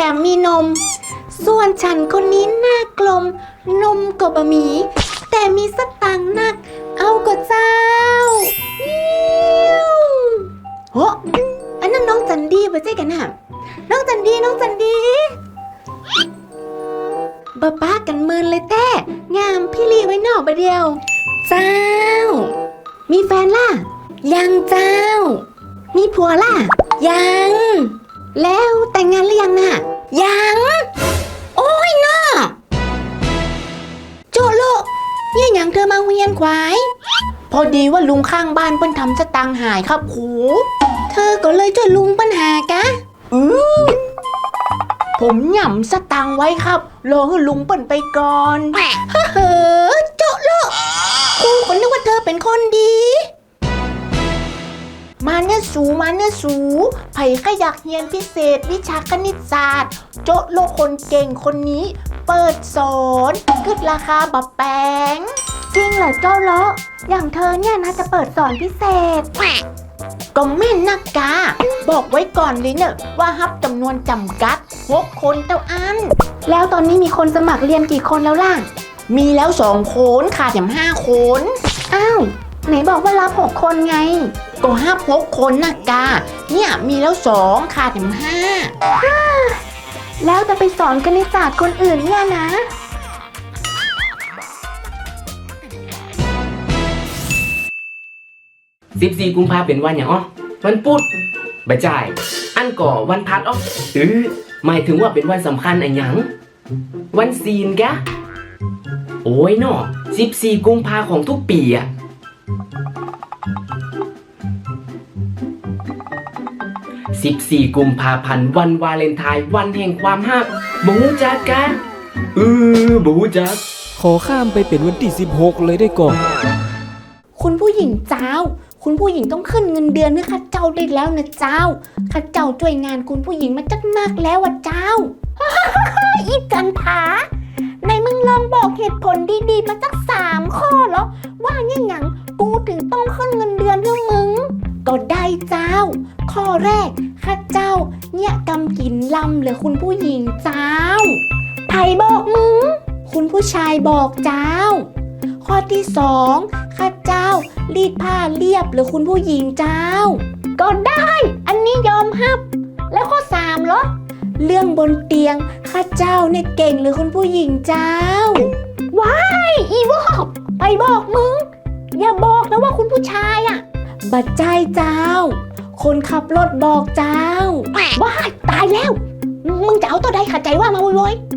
มมีนมส่วนฉันคนนี้หน้ากลมนมก็บะหมี่แต่มีสตังค์นักเอาก็เจ้าโหอันนั้นน้องจันดีไปเจ๊กันน่ะน้องจันดีบ้าป้ากันเมินเลยแต่งามพี่ลีไว้นอกไปเดียวเจ้ามีแฟนล่ะยังเจ้ามีผัวล่ะยังแล้วแต่งงานหรือยังน่ะยังโอ้ยน้อโจโลเนี่ยยังเธอมาเวียนควายพอดีว่าลุงข้างบ้านเปิ้นทำสตังค์หายครับหูเธอก็เลยช่วยลุงปัญหากะผมหย่ำสตังค์ไว้ครับรอให้ลุงเปิ้นไปก่อนเฮ้อโจโลครูก็นึกว่าเธอเป็นคนดีมาเนี่ยสูไผ่ก็อยากเรียนพิเศษวิชาคณิตศาสตร์โจ๊ะโลคนเก่งคนนี้เปิดสอนขึ้นราคาบับแปงจริงเหรอเจ้าเลาะอย่างเธอเนี่ยนะจะเปิดสอนพิเศษก็แม่นนักกาบอกไว้ก่อนเลยเนอะว่าฮับจำนวนจำกัด6 คนเท่าอันแล้วตอนนี้มีคนสมัครเรียนกี่คนแล้วล่ะมีแล้ว2 คนขาดแถม5 คนอ้าวไหนบอกว่ารับ6 คนไงก็6 คนนะกาเนี่ยมีแล้ว2ขาดแถม5แล้วจะไปสอนคณิตศาสตร์คนอื่นเนี่ยนะ 14 กุมภาเป็นวันอย่างวันพุธบ่จ่ายอันก่อวันพัดหมายถึงว่าเป็นวันสำคัญอันหยังวันศีลกะโอ้ยเนาะ14 กุมภาของทุกปีอะ14 กุมภาพันธ์วันวาเลนไทน์วันแห่งความฮักบ่ฮู้จักกะบ่ฮู้จักขอข้ามไปเป็นวันที่16เลยได้ก่อนคุณผู้หญิงเจ้าคุณผู้หญิงต้องขึ้นเงินเดือนให้ข้าเจ้าได้แล้วนะเจ้าข้าเจ้าช่วยงานคุณผู้หญิงมาจักนักแล้วอ่ะเจ้า อีจันผาในมึงลองบอกเหตุผลดีๆมาสัก3 ข้อเหรอว่าเนี่ยหยังกูถึงต้องขึ้นเงินเดือนเรื่องมึงก็ได้เจ้าข้อแรกข้าเจ้าเนี่ยกำกินลำเลยคุณผู้หญิงเจ้าไผบอกมึงคุณผู้ชายบอกเจ้าข้อที่2ข้าเจ้ารีดผ้าเรียบหรือคุณผู้หญิงเจ้าก็ได้อันนี้ยอมรับแล้วข้อ3เหรอเรื่องบนเตียงข้าเจ้าเนี่ยเก่งหรือคุณผู้หญิงเจ้าว้ายอีวอกไปบอกมึงอย่าบอกนะว่าคุณผู้ชายอ่ะบัดใจเจ้าคนขับรถบอกเจ้าว้ายตายแล้วมึงจะเอาตัวใดขัดใจว่ามาโวย